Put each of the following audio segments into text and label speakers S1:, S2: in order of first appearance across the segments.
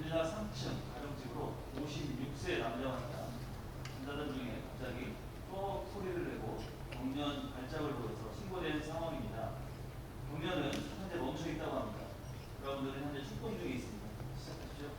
S1: 빌라 3층 가정집으로 56세 남자입니다. 환자들 중에 갑자기 또 소리를 내고 경련 발작을 보여서 신고된 상황입니다. 경련은 현재 멈춰 있다고 합니다. 여러분들은 현재 출동 중에 있습니다. 시작하시죠.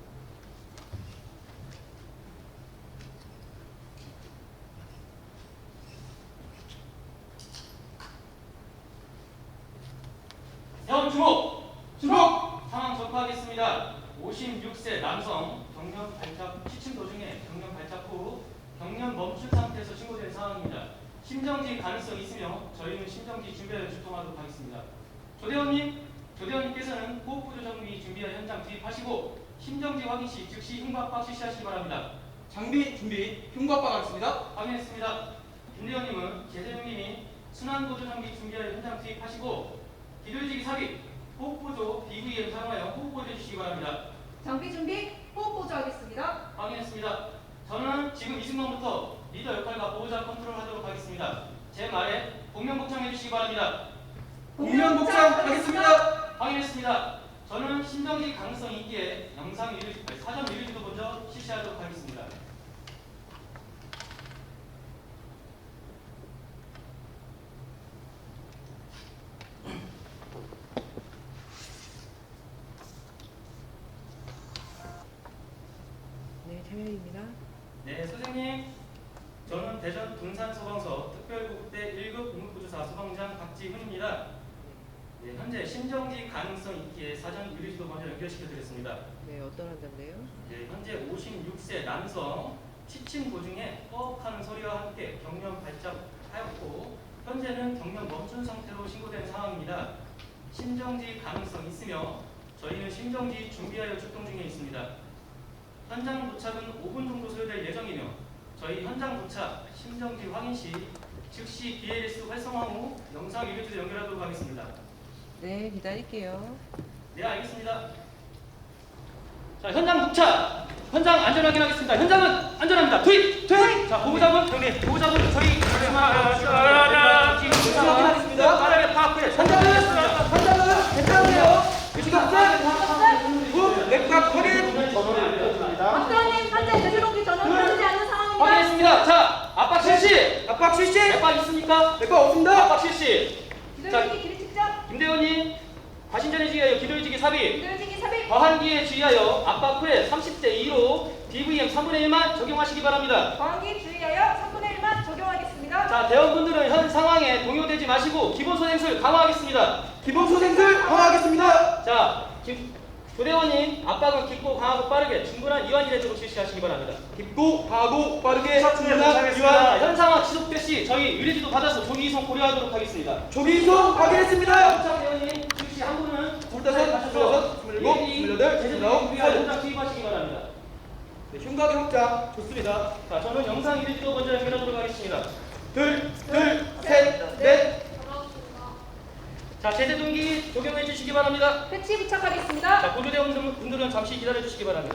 S2: 형 주목! 주목! 상황 접하겠습니다. 56세 남성 경련 발작 시침 도중에 경련 발작 후 경련 멈춘 상태에서 신고된 상황입니다. 심정지 가능성이 있으며 저희는 심정지 준비하여 출동하도록 하겠습니다. 조대원님께서는 호흡구조 장비 준비하여 현장 투입하시고 심정지 확인 시 즉시 흉곽박 실시하시기 바랍니다.
S3: 장비 준비, 흉곽박 하겠습니다.
S2: 확인했습니다. 김대원님은 제재용님이 순환구조 장비 준비하여 현장 투입하시고 기도해지기 삽입, 호흡보조 BVM 사용하여 호흡보조 해주시기 바랍니다.
S4: 장비 준비, 호흡 보조하겠습니다.
S2: 확인했습니다. 저는 지금 이 순간부터 리더 역할과 보호자 컨트롤하도록 하겠습니다. 제 말에 복면복창 해주시기 바랍니다.
S3: 복면복창 하겠습니다.
S2: 확인했습니다. 저는 심정지 가능성이 있기에 사전 위료지도 먼저 실시하도록 하겠습니다.
S5: 네, 참여입니다.
S2: 네, 선생님. 저는 대전 군산소방서 특별구급대 1급 응급구조사 소방장 박지훈입니다. 네, 현재 심정지 가능성 있기에 사전 유리지도 먼저 연결시켜드렸습니다.
S5: 네, 어떤 환자인데요?
S2: 네, 현재 56세 남성 취침 도중에 허헉하는 소리와 함께 경련 발작하였고 현재는 경련 멈춘 상태로 신고된 상황입니다. 심정지 가능성 있으며 저희는 심정지 준비하여 출동 중에 있습니다. 현장 도착은 5분 정도 소요될 예정이며 저희 현장 도착, 심정지 확인 시 즉시 BLS 활성화 후 영상 유리지도 연결하도록 하겠습니다.
S5: 네, 기다릴게요.
S2: 네, 알겠습니다. 자, 현장 도착! 현장 안전 확인하겠습니다. 현장은 안전합니다. 투입! 투입! 자, 보호자분, 형님, 보호자분, 저희
S3: 확인하겠습니다.
S2: 빠르게 파악해.
S3: 환자는 괜찮으세요? 지금 후 맥박 확인.
S4: 박사님, 환자 제주동기 전원 들어오지 않는 상황입니다.
S2: 확인했습니다. 자, 압박 실시!
S3: 압박 실시.
S2: 맥박 있습니까?
S3: 맥박 없습니다.
S2: 압박 실시!
S4: 기도해지기 길이 측정,
S2: 김대원님, 과신전에 주의하여 기도해지기 삽입!
S4: 기도해지기 삽입,
S2: 과한기에 주의하여 압박 후에 30대 2로 DVM 3분의 1만 적용하시기 바랍니다.
S4: 과한기 주의하여 3분의 1만 적용하겠습니다.
S2: 자, 대원분들은 현 상황에 동요되지 마시고 기본소생술 강화하겠습니다.
S3: 기본소생술 강화하겠습니다.
S2: 자, 조대원님, 압박은 깊고 강하고 빠르게 충분한 이완 이례적으로 실시하시기 바랍니다.
S3: 깊고 강하고 빠르게
S2: 자,
S3: 충분한 이완.
S2: 현 상황 지속될 시 저희 의뢰지도 받아서 조기 이송 고려하도록 하겠습니다.
S3: 조기 이송 확인했습니다.
S2: 자, 대원님, 즉시 한 분은
S3: 25, 26, 28,
S2: 제재동 위하여
S3: 29,
S2: 현장 투입하시기 바랍니다.
S3: 네, 흉곽의 확장 좋습니다.
S2: 자, 저는 영상 의뢰지도 먼저 연결하도록 하겠습니다.
S3: 둘, 셋, 넷.
S2: 자, 제재동기 적용해 주시기 바랍니다.
S4: 패치 부착하겠습니다.
S2: 자, 보조대원분들은 잠시 기다려 주시기 바랍니다.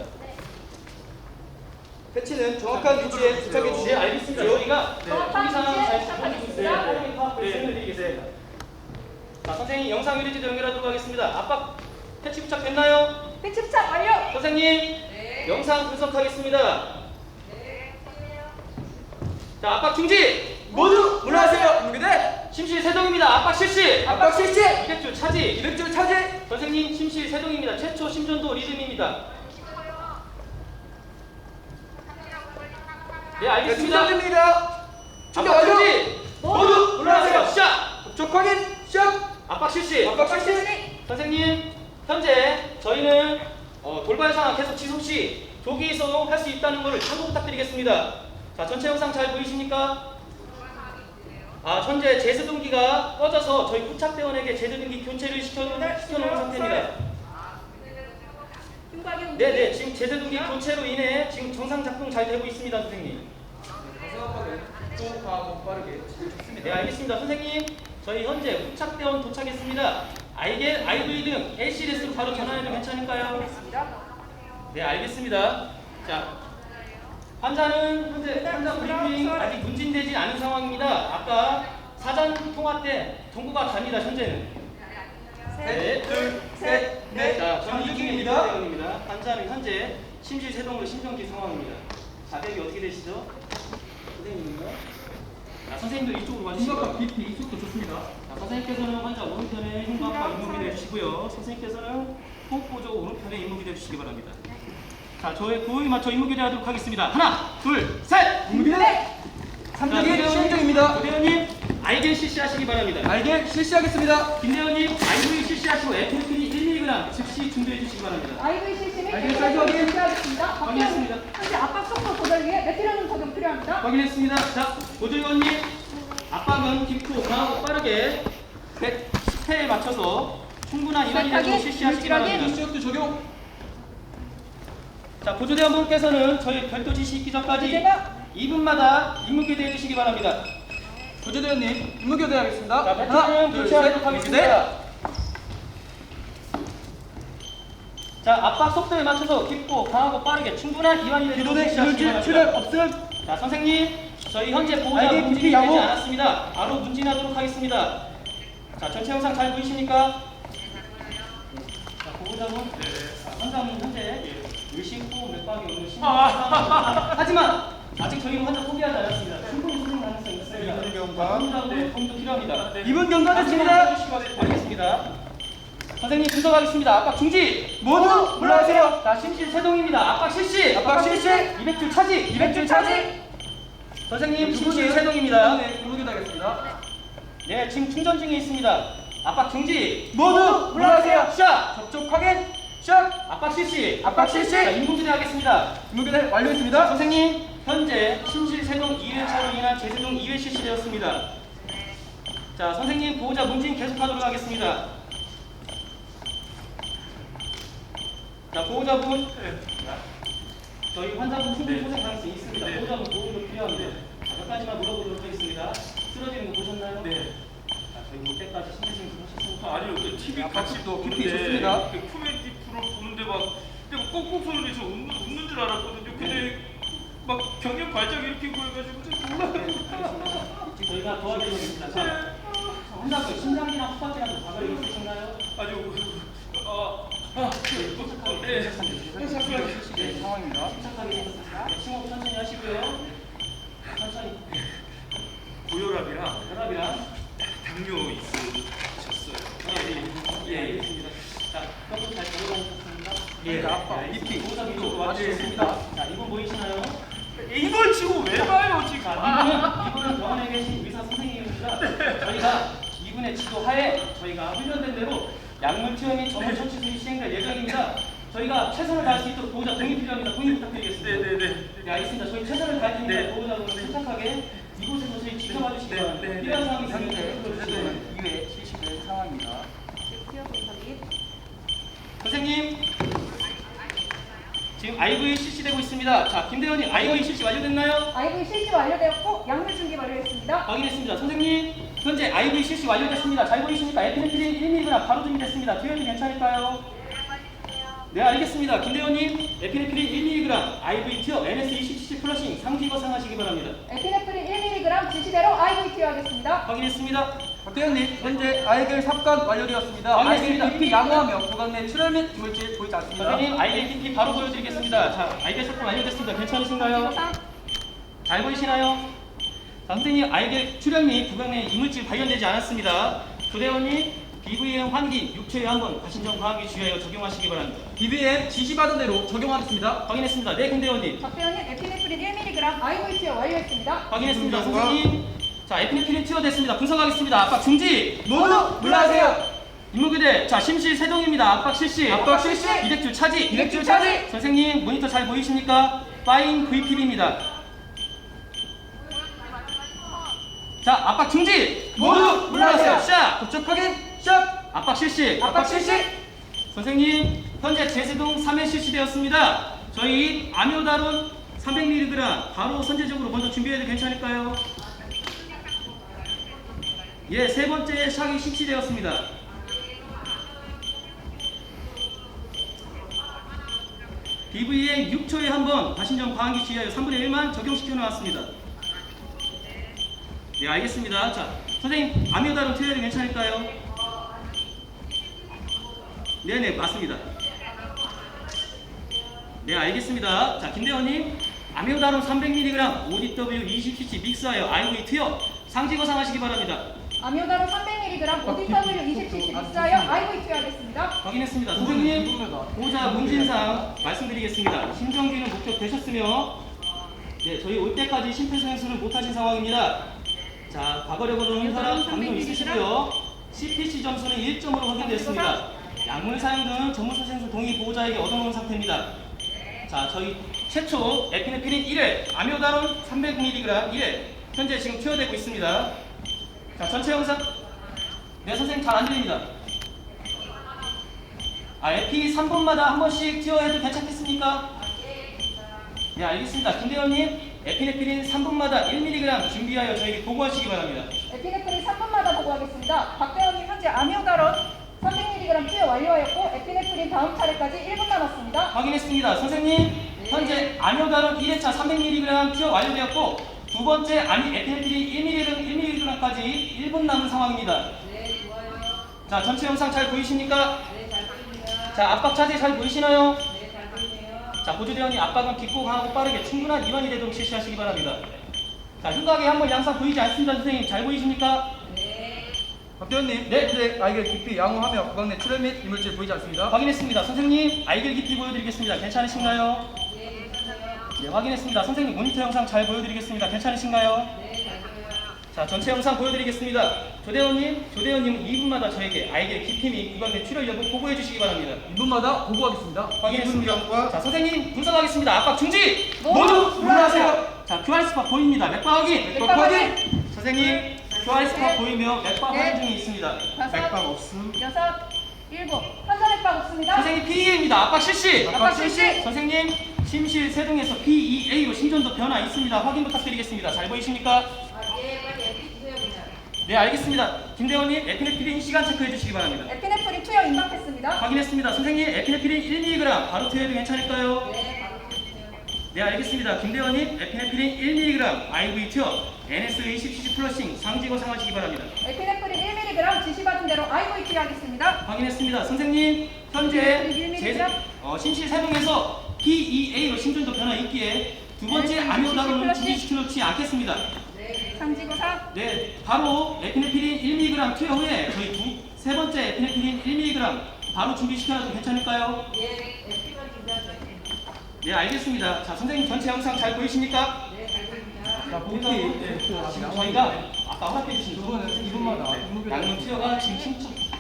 S3: 패치는 정확한 위치에 부착해
S2: 네,
S3: 주시면
S2: 알겠습니다. 저희가
S4: 정확한
S2: 상황
S4: 위치에
S2: 잘
S4: 부착하겠습니다.
S2: 빠르게 파악을 설명드리겠습니다. 자, 선생님 영상 유리지도 연결하도록 하겠습니다. 압박 패치 부착됐나요?
S4: 패치 부착 완료.
S2: 선생님
S4: 네.
S2: 영상 분석하겠습니다.
S4: 네.
S2: 자, 압박 중지!
S3: 모두 물러나세요. 준비돼.
S2: 심실 세동입니다. 압박 실시!
S3: 압박 실시.
S2: 200줄 차지!
S3: 200줄 차지.
S2: 선생님 심실 세동입니다. 최초 심전도 리듬입니다. 네, 알겠습니다.
S3: 충전됩니다. 충전
S2: 압박
S3: 완료.
S2: 중지! 모두 물러나세요. 시작!
S3: 접촉 확인. 시작.
S2: 압박 실시!
S3: 압박 실시.
S2: 선생님, 현재 저희는 돌발 상황 계속 지속 시 조기 이송할 수 있다는 것을 참고 부탁드리겠습니다. 자, 전체 영상 잘 보이십니까? 아, 현재 제세동기가 꺼져서 저희 부착대원에게 제세동기 교체를 시켜놓은 상태입니다.
S4: 흉곽의
S2: 네네, 지금 제세동기 교체로 인해 지금 정상 작동 잘 되고 있습니다, 선생님.
S3: 또 강하고 빠르게 좋습니다.
S2: 네, 알겠습니다. 선생님, 저희 현재 부착대원 도착했습니다. IV 등 LCDS로 바로 전화해도 괜찮을까요? 네, 알겠습니다. 자, 환자는 현재 환자 브리핑 아직 문진되지 않은 상황입니다. 아까 사전 통화 때 정보가 갑니다. 현재는.
S4: 셋,
S3: 셋, 둘, 셋, 넷.
S2: 자, 저는
S3: 장유중입니다.
S2: 이중입니다. 대원입니다. 환자는 현재 심실세동으로 심정지 상황입니다. 자백이 어떻게 되시죠? 선생님인가? 자, 선생님들 이쪽으로 와주시고.
S3: 심각한 BP 이쪽도 좋습니다.
S2: 자, 선생님께서는 환자 오른편에 흉곽과 임무기를 해주시고요. 선생님께서는 호흡보조 오른편에 임무기를 해주시기 바랍니다. 자, 저의 구호에 맞춰 임무기를 하도록 하겠습니다. 하나, 둘, 셋!
S3: 임무기대 3단계 시행정입니다.
S2: 조대원님, 알겔 실시하시기 바랍니다.
S3: 알게 실시하겠습니다.
S2: 김대원님, 아이브이 실시하시고 에피네프린 1mg 즉시 준비해 주시기 바랍니다.
S4: 아이브이 시스템이
S3: 알겠습니다. 사이즈 확인.
S4: 실시하겠습니다.
S2: 확인했습니다.
S4: 현재 압박 속도 조절 위해 메트로놈 적용 필요합니다.
S2: 확인했습니다. 자, 보조위원님, 압박은 깊고 강하고 빠르게 110회에 맞춰서 충분한 이완이력으로
S4: 정확하게,
S2: 실시하시기
S4: 물질하게.
S2: 바랍니다.
S3: 시력도 적용.
S2: 자, 보조대원분께서는 저희 별도 지시 있기 전까지
S4: 제가
S2: 2분마다 임무교대 해주시기 바랍니다.
S3: 보조대원님 임무 교대하겠습니다.
S2: 자, 배터리는 교체하도록 하겠습니다. 자, 압박 속도에 맞춰서 깊고 강하고 빠르게 충분한 이완이력으로
S3: 기도대
S2: 실시하시기
S3: 이물질 출혈
S2: 바랍니다.
S3: 없음.
S2: 자, 선생님, 저희 현재 보호자
S3: 알게
S2: 문진이
S3: 깊이
S2: 되지
S3: 양호.
S2: 않았습니다. 바로 문진하도록 하겠습니다. 자, 전체 영상 잘 보이십니까? 자, 보호자분, 자, 환자분 현재 의식후 맥박이 오는 심각한 하지만 아직 저희는 환자 포기하지 않았습니다. 충분히 수능 가능성이 있습니다.
S3: 이분 경과.
S2: 보호자분 도움도 필요합니다.
S3: 이분 경과됐습니다.
S2: 알겠습니다. 선생님 분석하겠습니다. 압박 중지.
S3: 모두 물러가세요.
S2: 자, 심실 세동입니다. 압박 실시.
S3: 압박 실시.
S2: 200줄 차지.
S3: 200줄 차지.
S2: 선생님 심실
S3: 누구세요?
S2: 세동입니다.
S3: 네, 임무 교대하겠습니다.
S2: 네, 지금 충전 중에 있습니다. 압박 중지.
S3: 모두 물러가세요.
S2: 샷.
S3: 접촉 확인. 샷.
S2: 압박 실시.
S3: 압박 실시.
S2: 자, 인공지능 하겠습니다.
S3: 임무 교대 완료했습니다.
S2: 선생님, 현재 심실 세동 2회차로 인한 재세동 2회 실시되었습니다. 자, 선생님 보호자 문진 계속하도록 하겠습니다. 자, 보호자분, 저희 환자분 충분히 소생 가능성이 있습니다. 보호자분 도움도 필요합니다. 자, 몇 가지만 물어보도록 하겠습니다. 쓰러지는 거 보셨나요?
S1: 네.
S2: 자, 저희 올 때까지 심리심 좀 하셨습니까?
S1: 아니요, 그 TV 같이
S3: 압박도
S1: 보는데
S3: 깊이 좋습니다.
S1: 그 코미디 프로 보는데 막 근데 막 꼭꼭 소리 저 웃는 줄 알았거든요. 근데 막 경련 발작 일으키고 해가지고 좀 놀라요.
S2: 저희가 도와드리겠습니다. 자, 환자분 심장이나 후각이라도 과거에 있으신가요?
S1: 아주 네.
S3: 네, 상황입니다.
S2: 침착하게 생각하세요. 네, 심호흡 천천히 하시고요. 천천히.
S1: 고혈압이랑
S2: 혈압이랑.
S1: 당뇨 있으셨어요.
S2: 예, 알겠습니다. 자, 협업 잘 들어가셨습니다.
S3: 예, 압박,
S2: BP, 보호자 위로
S3: 예.
S2: 와주셨습니다. 자, 이분 보이시나요?
S1: 이걸 치고 왜 봐요 지금?
S2: 이분은 병원에 계신 의사 선생님입니다. 저희가 이분의 지도하에 저희가 훈련된 대로 약물 투여 및 전문 처치 수리 시행될 예정입니다. 저희가 최선을 다할 수 있도록 보호자 동의 필요합니다. 동의 부탁드리겠습니다.
S1: 네네네.
S2: 네, 알겠습니다. 저희 최선을 다할 테니까
S1: 네.
S2: 보호자분은 침착하게 이곳에서 저희 지켜봐 주시기
S1: 네,
S2: 바랍니다.
S1: 네,
S2: 필요한 사항이 있으면
S3: 현재
S2: 불러주시기 바랍니다.
S3: 2회 실시된 상황입니다.
S2: 선생님, 지금 IVE 실시되고 있습니다. 자, 김대원님, IVE 실시 완료됐나요?
S4: 아이브이 실시 완료되었고 약물 준비 완료했습니다.
S2: 확인했습니다. 선생님, 현재 IVE 실시 완료됐습니다. 잘 보이십니까? 에피네프린 1mg 바로 준비됐습니다. 투여도 괜찮을까요? 네, 알겠습니다. 김대원님, 에피네프린 1mg IVE 티어 NS277 플러싱 3기거 사용하시기 바랍니다.
S4: 에피네프린 1mg 지시대로 아이브이 투여하겠습니다.
S2: 확인했습니다.
S3: 박대현님, 현재 알겔 삽관 완료되었습니다.
S2: 알겠습니다.
S3: 알겔 깊이 양호하며 구강 내 출혈 및 이물질 보이지 않습니다.
S2: 선생님, 아이겔 TP 바로 보여드리겠습니다. 자, 아이겔 삭감 완료됐습니다. 괜찮으신가요? 잘 보이시나요? 자, 선생님, 아이겔 출혈 및 구강 내 이물질 발견되지 않았습니다. 조대원님, BVM 환기 6초에 한번 가신정 과학에 주의하여 적용하시기 바랍니다.
S3: BBM 지시받은 대로 적용하겠습니다.
S2: 확인했습니다. 네, 김대원님.
S4: 박대현님 에피네프린 1mg 아이브이 투여 완료했습니다.
S2: 확인했습니다.
S3: 분석과-
S2: 선생님. 자, 에피네프린 투여됐습니다. 분석하겠습니다. 압박 중지.
S3: 모두 물러가세요.
S2: 임무교대. 자, 심실 세동입니다. 압박 실시.
S3: 압박 실시.
S2: 200줄 차지.
S3: 200줄 차지.
S2: 선생님, 모니터 잘 보이십니까? 파인 VPB입니다. 자, 압박 중지.
S3: 모두 물러가세요.
S2: 샷.
S3: 접촉 확인. 샷.
S2: 압박 실시.
S3: 압박 실시.
S2: 선생님, 현재 제세동 3회 실시되었습니다. 저희 아미오다론 300mg 바로 선제적으로 먼저 준비해도 괜찮을까요? 예, 세 번째 샥이 실시되었습니다. BVA 6초에 한번 가신정 과항기 주의하여 3분의 1만 적용시켜 놓았습니다. 네, 알겠습니다. 자, 선생님, 아미오다론 투여해도 괜찮을까요? 네네, 맞습니다. 네, 알겠습니다. 자, 김대원님, 아미오다론 300mg, ODW 20cc 믹스하여 IV 투여 상지거 상하시기 바랍니다.
S4: 아미오다로 300mg, ODW 20cc 믹스하여 IV 투여하겠습니다.
S2: 확인했습니다. 선생님, 보호자 문진상 말씀드리겠습니다. 심정지는 목격되셨으며, 네, 저희 올 때까지 심폐소생술을 못하신 상황입니다. 자, 과거력으로는 혈압, 당뇨 있으시고요. CPC 점수는 1점으로 확인됐습니다. 약물 사용 등 전문소생술 동의 보호자에게 얻어놓은 상태입니다. 자, 저희 최초 에피네프린 1회, 아미오다론 300mg 1회, 현재 지금 투여되고 있습니다. 자, 전체 영상. 네, 선생님 잘 안 들립니다. 에피 3분마다 한 번씩 투여해도 괜찮겠습니까? 네, 알겠습니다. 김대원님, 에피네프린 3분마다 1mg 준비하여 저에게 보고하시기 바랍니다.
S4: 에피네프린 3분마다 보고하겠습니다. 박대원님 현재 아미오다론 300mg 투여 완료하였고 에피네프린 다음 차례까지 1분 남았습니다.
S2: 확인했습니다. 선생님, 현재 아미오다론 1회차 300mg 투여 완료되었고 두 번째 에피네프린 1mg까지 1분 남은 상황입니다.
S5: 네, 좋아요.
S2: 자, 전체 영상 잘 보이십니까?
S5: 네, 잘 보입니다.
S2: 자, 압박 자세 잘 보이시나요?
S5: 네, 잘 보이네요.
S2: 자, 보조대원이 압박은 깊고 강하고 빠르게 충분한 이완이 되도록 실시하시기 바랍니다. 자, 흉곽에 한번 양상 보이지 않습니다. 선생님, 잘 보이십니까?
S5: 네.
S3: 박대원님,
S2: 네.
S3: 현재 아이겔 깊이 양호하며 구강 내 출혈 및 이물질 보이지 않습니다.
S2: 확인했습니다. 선생님, 아이겔 깊이 보여드리겠습니다. 괜찮으신가요?
S5: 네, 괜찮아요.
S2: 네, 확인했습니다. 선생님, 모니터 영상 잘 보여드리겠습니다. 괜찮으신가요?
S5: 네, 잘 보여요.
S2: 자, 전체 영상 보여드리겠습니다. 조대원님은 2분마다 저에게 아이겔 깊이 및 구강 내 출혈 여부 보고해 주시기 바랍니다.
S3: 2분마다 보고하겠습니다.
S2: 확인했습니다. 자, 선생님 분석하겠습니다. 압박 중지!
S4: 모두
S2: 물러나세요. 자, QR 스팟 보입니다. 맥박 확인!
S4: 맥박 확인!
S2: 선생님, QR 스팟 보이며 맥박
S4: 네.
S2: 확인 중에 있습니다.
S4: 다섯,
S3: 없음.
S4: 여섯, 일곱. 환자 맥박 없습니다.
S2: 선생님, PEA입니다. 압박 실시!
S4: 압박 실시!
S2: 선생님, 심실 세동에서 PEA로 심전도 변화 있습니다. 확인 부탁드리겠습니다. 잘 보이십니까?
S5: 예, 빨리 에피 주세요, 그냥.
S2: 네, 알겠습니다. 김대원님, 에피네프린 시간 체크해 주시기 바랍니다.
S4: 에피네프린 투여 임박했습니다.
S2: 확인했습니다. 선생님, 에피네프린 1mg 바로 투여해도 괜찮을까요?
S5: 네, 바로 주세요.
S2: 네, 알겠습니다. 김대원님, 에피네프린 1mg IV 투여 NS 20cc 플러싱 상지거 상하시기 바랍니다.
S4: 에피네프린 1mg 지시받은 대로 IV 투여하겠습니다.
S2: 확인했습니다. 선생님, 현재
S4: 1mg?
S2: 심실 세동에서 PEA로 심전도 변화 있기에 두 번째
S4: NS
S2: 아미오다론은
S4: 20cc
S2: 준비시켜 놓지 않겠습니다.
S4: 상지고사
S2: 네, 바로 에피네프린 1mg 투여 후에 저희 세 번째 에피네프린 1mg 바로 준비시켜놔도 괜찮을까요?
S5: 예, 에피만 준비하세요.
S2: 네, 알겠습니다. 자, 선생님 전체 영상 잘 보이십니까?
S5: 네, 잘 보입니다.
S3: 자, 복귀.
S2: 네, 지금 저희가 아까 허락해 주신
S3: 이거는 2분마다
S2: 양문 투여가 지금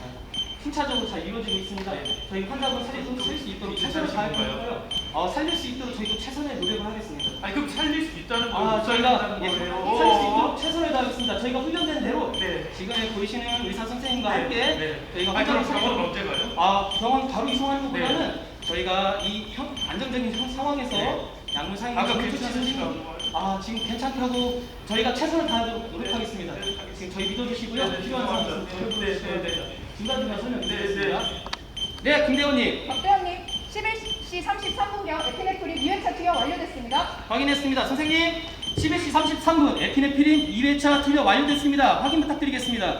S2: 순차적으로 잘 이루어지고 있습니다. 저희 환자분 살릴 수 있도록 최선을 다하고요. 살릴 수 있도록 저희도 최선의 노력을 하겠습니다.
S6: 아니 그럼 살릴 수 있다는 거
S2: 저희가
S6: 살릴 수 있다는
S2: 살릴 수 있도록 최선을 다하겠습니다. 저희가 훈련된 대로
S6: 네.
S2: 지금 보이시는 의사 선생님과
S6: 네,
S2: 함께
S6: 네.
S2: 저희가
S6: 아니 그럼
S2: 환자를
S6: 병원은 언제 가요?
S2: 병원 바로 이송하는 것보다는 저희가 이 안정적인 상황에서
S6: 네.
S2: 약물 사용
S6: 아까
S2: 조치
S6: 괜찮으시다고.
S2: 지금 괜찮다고 저희가 최선을 다하도록 노력하겠습니다. 지금 저희 믿어주시고요.
S6: 네,
S2: 필요한 상황 있으면
S6: 네,
S2: 저희
S6: 네, 네, 네.
S2: 중간중간 설명드리겠습니다.
S6: 네,
S2: 네, 김대원님
S4: 박대원님 11시 33분경 에피네프린 2회차 투여 완료됐습니다.
S2: 확인했습니다. 선생님 11시 33분 에피네프린 2회차 투여 완료됐습니다. 확인 부탁드리겠습니다.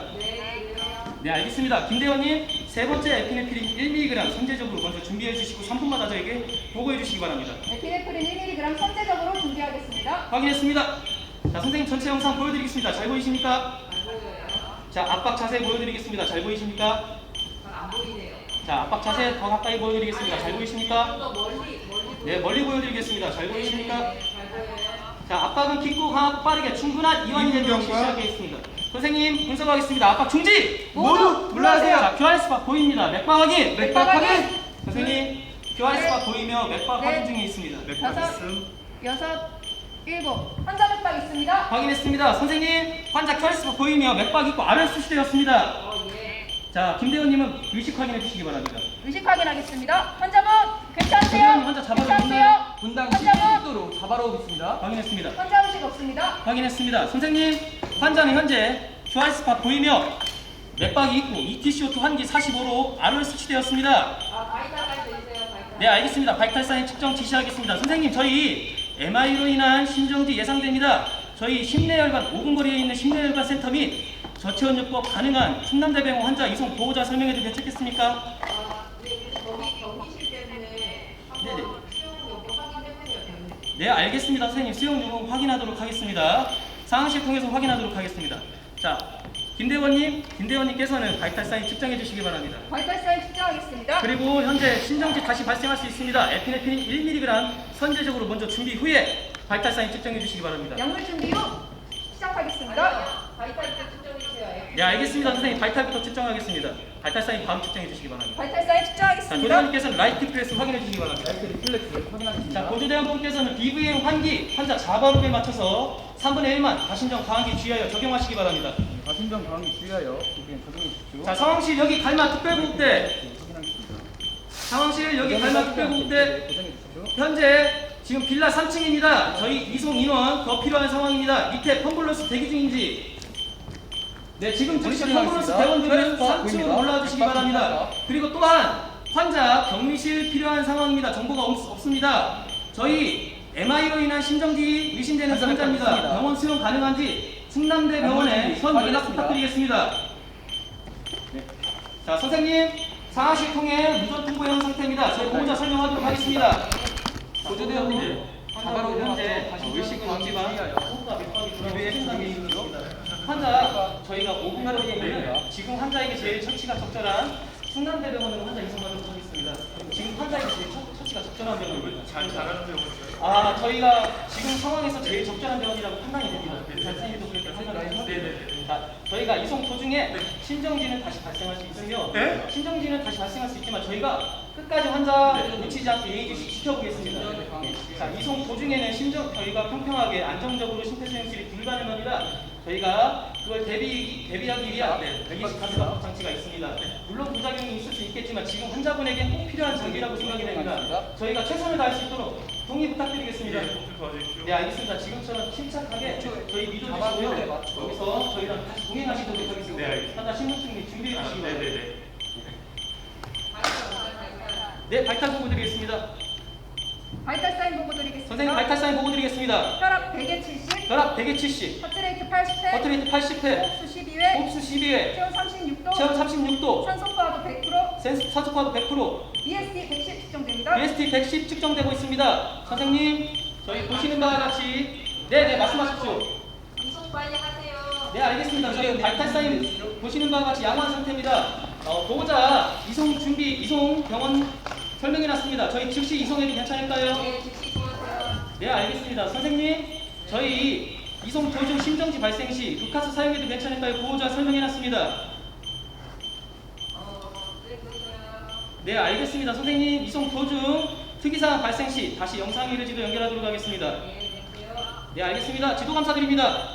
S2: 네, 알겠습니다. 김대원님 세 번째 에피네프린 1mg 선제적으로 먼저 준비해 주시고 3분마다 저에게 보고해 주시기 바랍니다.
S4: 에피네프린 1mg 선제적으로 준비하겠습니다.
S2: 확인했습니다. 자, 선생님 전체 영상 보여드리겠습니다. 잘 보이십니까? 자, 압박 자세 보여드리겠습니다. 잘 보이십니까?
S5: 안 보이네요.
S2: 자, 압박 자세 더 가까이 보여드리겠습니다. 잘 보이십니까?
S5: 더 멀리
S2: 네, 멀리 보여드리겠습니다. 잘 보이십니까?
S5: 잘 보여요.
S2: 자, 압박은 깊고 강하고 빠르게 충분한 이완이 되도록 실시하겠습니다. 선생님 분석하겠습니다. 압박 중지!
S3: 모두 물러나세요.
S2: 자, QR 스팟 보입니다. 맥박 확인!
S4: 맥박 확인!
S2: 선생님, QR 스팟 보이며 맥박
S4: 네.
S2: 확인 중에 있습니다.
S4: 다섯, 여섯, 일곱. 환자 맥박 있습니다.
S2: 확인했습니다. 선생님, 환자 QR 스팟 보이며 맥박 있고 R을 수시되었습니다. 자, 김대원님은 의식 확인해 주시기 바랍니다.
S4: 의식 확인하겠습니다. 환자분 괜찮으세요?
S2: 선생님, 환자 잡아주고
S4: 괜찮으세요?
S3: 분당
S4: 환자분
S3: 10도로 잡아오고 있습니다.
S2: 확인했습니다.
S4: 환자 의식 없습니다.
S2: 확인했습니다. 선생님, 환자는 현재 QR 스팟 보이며 맥박이 있고 ETCO2 환기 45로 R을 수치되었습니다.
S5: 바이탈 해주세요. 바이탈.
S2: 네, 알겠습니다. 바이탈 사인 측정 지시하겠습니다. 선생님, 저희 MI로 인한 심정지 예상됩니다. 저희 심내혈관 5분 거리에 있는 심내혈관 센터 및 저체온요법 가능한 충남대병원 환자 이송 보호자 설명해도 괜찮겠습니까?
S5: 네,
S2: 네, 알겠습니다. 선생님, 수용 요금 확인하도록 하겠습니다. 상황실 통해서 확인하도록 하겠습니다. 자, 김대원님께서는 바이탈 사인 측정해 주시기 바랍니다.
S4: 바이탈 사인 측정하겠습니다.
S2: 그리고 현재 신정지 다시 발생할 수 있습니다. 에피네프린 1mg 선제적으로 먼저 준비 후에 바이탈 사인 측정해 주시기 바랍니다.
S4: 약물 준비 후 시작하겠습니다.
S5: 바이탈부터 측정해주세요.
S2: 네, 알겠습니다. 선생님, 바이탈부터 측정하겠습니다. 바이탈 사인 다음 측정해 주시기 바랍니다.
S4: 바이탈 사인
S2: 자,
S4: 측정하겠습니다.
S2: 조대원님께서는 라이트 프레스 확인해 주시기 바랍니다.
S3: 라이트 리플렉스 확인하겠습니다.
S2: 자, 보조대원분께서는 BVM 환기 환자 자바룹에 맞춰서 3분의 1만 가신정 가한기 주의하여 적용하시기 바랍니다.
S3: 가신정 방위 주의하여 그냥 적용해 주십시오.
S2: 자, 상황실 여기 갈마 특별보호대,
S3: 네, 확인하겠습니다.
S2: 상황실 여기 갈마 특별보호대,
S3: 고정해 주십시오.
S2: 현재 지금 빌라 3층입니다. 저희 이송 인원 더 필요한 상황입니다. 밑에 펌블러스 대기 중인지. 네, 지금 즉시 펌블러스 대원들은 3층으로 올라와 주시기 바랍니다. 그리고 또한 환자 격리실 필요한 상황입니다. 정보가 없습니다. 저희 MI로 인한 심정지 의심되는 환자입니다. 병원 수용 가능한지 충남대 병원에 현 연락 부탁드리겠습니다. 네. 자, 선생님, 상하실 통해 무전 통보형 상태입니다. 저희 보호자 설명하도록 하겠습니다.
S3: 보조대원님,
S2: 환자분 현재 의식은 없지만 호흡과 맥박이 돌아오는 생각이 있습니다. 환자 저희가 5분간 후에 지금 환자에게 제일 처치가 적절한 충남대병원으로 환자 이송하도록 하겠습니다. 지금 환자에게 제일 처치가 적절한 병원을
S6: 잘하는 병원이요.
S2: 저희가 지금 상황에서 제일 적절한 병원이라고 판단이 됩니다. 선생님도 그렇게 판단을 해주세요.
S6: 네네네.
S2: 자, 저희가 이송 도중에 신정지는 다시 발생할 수 있으며
S6: 네?
S2: 신정지는 다시 발생할 수 있지만 저희가 끝까지 환자 놓치지 않고 예의주시 지켜보겠습니다. 자, 이송 도중에는 저희가 평평하게 안정적으로 심폐소생술이 불가능합니다. 저희가 그걸 대비하기 위한 여기 가스 방법 장치가 있습니다. 물론 부작용이 있을 수 있겠지만 지금 환자분에게 꼭 필요한 장비라고 생각이 됩니다. 저희가 최선을 다할 수 있도록 동의 부탁드리겠습니다.
S6: 도와주십시오.
S2: 네, 알겠습니다. 지금처럼 침착하게 저희 믿어주시고요. 여기서 저희랑 다시 동행하시도록 하겠습니다.
S6: 네, 알겠습니다.
S2: 환자 신분증 준비해 주시기 바랍니다.
S6: 네네네.
S2: 네, 발탈 보고 드리겠습니다.
S4: 바이탈 사인 보고 드리겠습니다.
S2: 선생님, 발탈 사인 보고 드리겠습니다.
S4: 혈압 100에 70,
S2: 혈압 100에 70,
S4: 하트레이트 80회,
S2: 버트레이트 80회,
S4: 호흡수 12회,
S2: 호흡수 12회,
S4: 체온 36도,
S2: 체온 36도,
S4: 산소포화도 100%,
S2: 산소파도 100%,
S4: BSD 110 측정됩니다.
S2: BST 110 측정되고 있습니다. 선생님, 저희 보시는 바와 같이 네네 말씀하십시오.
S5: 이송 빨리 하세요.
S2: 네, 알겠습니다. 저희 발탈 사인 보시는 바와 같이 양호한 상태입니다. 보호자 이송 준비, 이송 병원 설명해놨습니다. 저희 즉시 이송해도 괜찮을까요?
S5: 네, 즉시 도와주세요.
S2: 네, 알겠습니다. 선생님, 저희 이송 도중 심정지 발생 시 루카스 사용해도 괜찮을까요? 보호자 설명해놨습니다.
S5: 네, 그러세요.
S2: 네, 알겠습니다. 선생님, 이송 도중 특이사항 발생 시 다시 영상 이르지도 연결하도록 하겠습니다.
S5: 네, 될게요.
S2: 네, 알겠습니다. 지도 감사드립니다.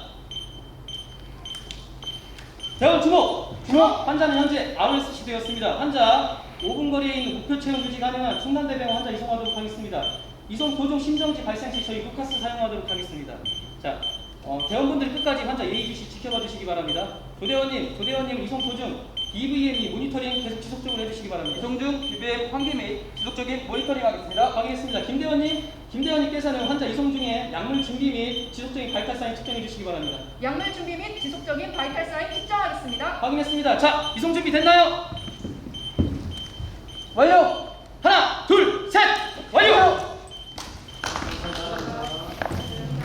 S2: 대원 주목! 환자는 현재 RSC 되었습니다. 환자 5분 거리에 있는 목표 체온 유지 가능한 충남대병원 환자 이송하도록 하겠습니다. 이송 도중 심정지 발생 시 저희 루카스 사용하도록 하겠습니다. 자, 대원분들 끝까지 환자 예의주시 지켜봐 주시기 바랍니다. 조대원님 이송 도중 EVM이 모니터링 계속 지속적으로 해주시기 바랍니다.
S3: 이송 중 BBM 환기 및 지속적인 모니터링 하겠습니다.
S2: 확인했습니다. 김대원님께서는 환자 이송 중에 약물 준비 및 지속적인 바이탈 사인 측정해 주시기 바랍니다.
S4: 약물 준비 및 지속적인 바이탈 사인 측정하겠습니다.
S2: 확인했습니다. 자, 이송 준비 됐나요?
S3: 완료!